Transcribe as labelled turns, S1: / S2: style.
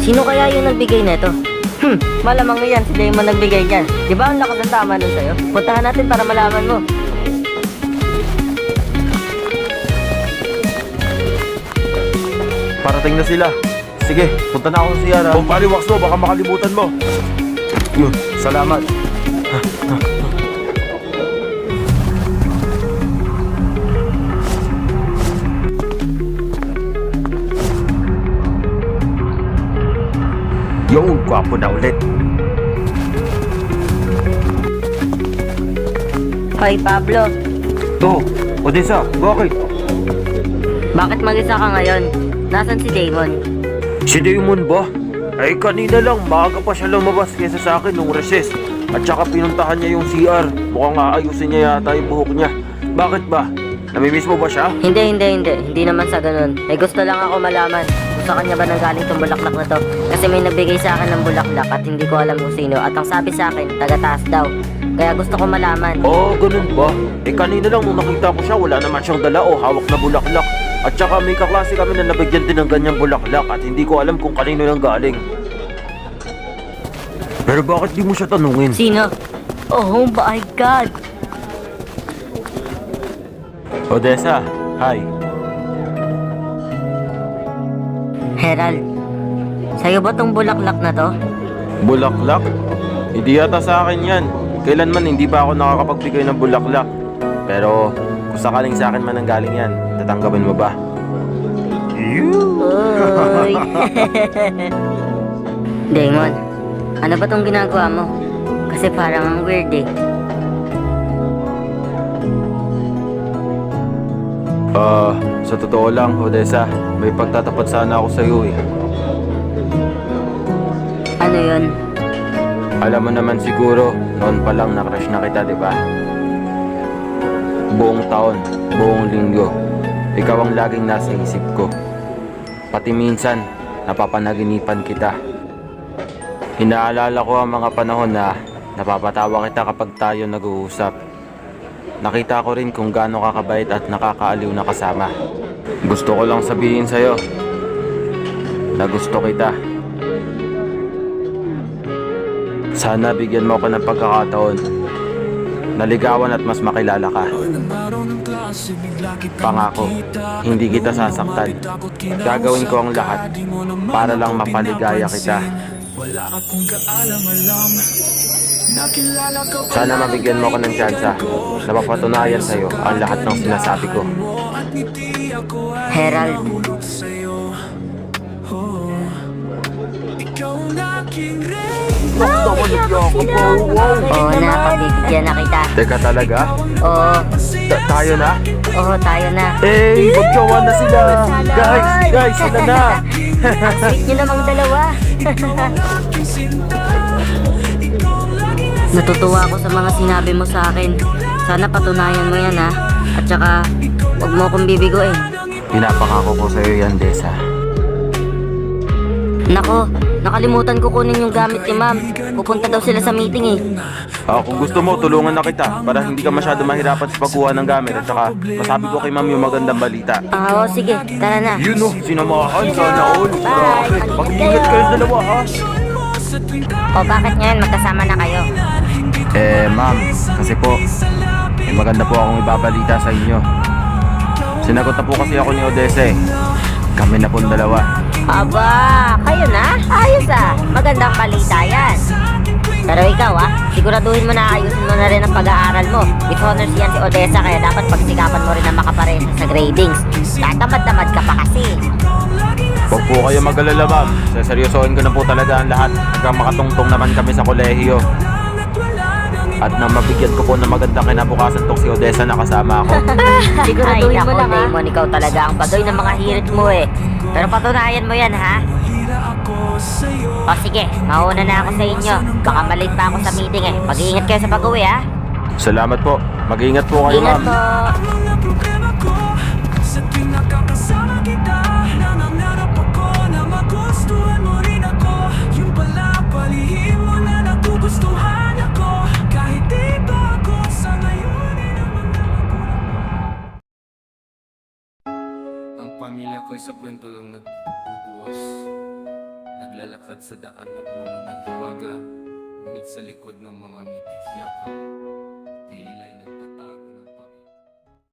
S1: Sino kaya yung nagbigay nito? Malamang yan, si Damon nagbigay niyan. Di ba ang lakas ng tama nun sa'yo? Puntahan natin para malaman mo.
S2: Parating na sila. Sige, punta na ako sa CR ha. Kung paliwaks mo, baka makalimutan mo. Salamat. Yung gwapo na ulit.
S1: Hoy, Pablo.
S2: Oh, Odessa, bakit?
S1: Bakit mag-isa ka ngayon? Nasaan si Damon?
S2: Si Damon ba? Ay kanina lang, maaga pa siya lumabas kaysa sa akin nung recess. At saka pinuntahan niya yung CR. Mukhang aayusin niya yata yung buhok niya. Bakit ba? Namimiss mo ba siya?
S1: Hindi. Hindi naman sa ganun. May gusto lang ako malaman kung sa kanya ba nanggaling tong bulaklak na to. Kasi may nagbigay sa akin ng bulaklak at hindi ko alam kung sino. At ang sabi sa akin, taga-taas daw. Kaya gusto ko malaman.
S2: Oh, ganun ba? Eh kanina lang nung nakita ko siya, wala naman siyang dala o hawak na bulaklak. At saka may kaklase kami na nabigyan din ng ganyang bulaklak at hindi ko alam kung kanino nang galing. Pero bakit di mo siya tanungin?
S1: Sino? Oh my God!
S2: Odessa, hi.
S1: Herald, sa'yo ba tong bulaklak na to?
S2: Bulaklak? Hindi yata sa akin yan. Kailanman hindi pa ako nakakapagbigay ng bulaklak. Pero kung sakaling sa akin man ang galing yan, tatanggapin mo ba?
S1: Uy! Damon, ano ba tong ginagawa mo? Kasi parang ang weird eh.
S2: Sa totoo lang, Odessa, may pagtatapat sana ako sa iyo eh.
S1: Ano yun?
S2: Alam mo naman siguro, noon pa lang na-crush na kita, di ba? Buong taon, buong linggo, ikaw ang laging nasa isip ko. Pati minsan, napapanaginipan kita. Inaalala ko ang mga panahon na napapatawa kita kapag tayo nag-uusap. Nakita ko rin kung gaano kakabait at nakakaaliw na kasama. Gusto ko lang sabihin sa'yo na gusto kita. Sana bigyan mo ako ng pagkakataon na ligawan at mas makilala ka. Pangako, hindi kita sasaktan. Gagawin ko ang lahat para lang mapaligaya kita. Sana mabigyan mo ako ng tsansa na mapatunayan sa'yo ang lahat ng sinasabi ko.
S1: Herald, oo na, pabibigyan na kita.
S2: Teka talaga?
S1: Oo,
S2: Tayo na?
S1: oo, tayo na.
S2: Eh, magjowa na sila! Guys, sila na!
S1: Ang sweet nyo namang dalawa. Natutuwa ako sa mga sinabi mo sa akin. Sana patunayan mo yan ha. At saka, huwag mo akong bibigoin.
S2: Pinapangako ko sa'yo yan, Desa.
S1: Nako, nakalimutan ko kunin yung gamit ni ma'am. Pupunta daw sila sa meeting eh.
S2: Kung gusto mo, tulungan na kita para hindi ka masyado mahirapan sa pagkuha ng gamit at saka masabi ko kay ma'am yung magandang balita.
S1: Oo, sige, tara na.
S2: Yun o, sinamahan, sana all.
S1: Bye.
S2: Mag-ingat kayong dalawa ha.
S1: O bakit ngayon magkasama na kayo?
S2: Ma'am, kasi po, maganda po akong ibabalita sa inyo. Sinagot na po kasi ako ni Odessa eh. Kami na pong dalawa.
S1: Aba, kayo na? Ayos ah. Magandang balita yan. Pero ikaw siguraduhin mo na ayusin mo na rin ang pag-aaral mo. With honors yan si Odessa kaya dapat pagsikapan mo rin na makaparehas sa gradings. Tatamad-tamad ka pa kasi.
S2: Huwag po kayo mag-alala ma'am. Seryosohin ko na po talaga ang lahat hanggang makatungtong naman kami sa kolehiyo. At nang mabigyan ko po ng magandang kinabukasan tong si Odessa na kasama ako.
S1: Siguraduhin mo lang Damon, ikaw talaga ang bagoy ng mga hirit mo eh. Pero patunayan mo yan ha. O sige, mauna na ako sa inyo. Baka malate pa ako sa meeting eh. Mag-iingat kayo sa pag-uwi ha.
S2: Salamat po. Mag-ingat po kayo
S1: Ingat
S2: ma'am.
S1: po.
S3: Ang pamilya ko sa kwento lang nagbubuhos. Naglalakad sa daan ng mga nagwaga, ngunit sa likod ng mga ngiti yakap.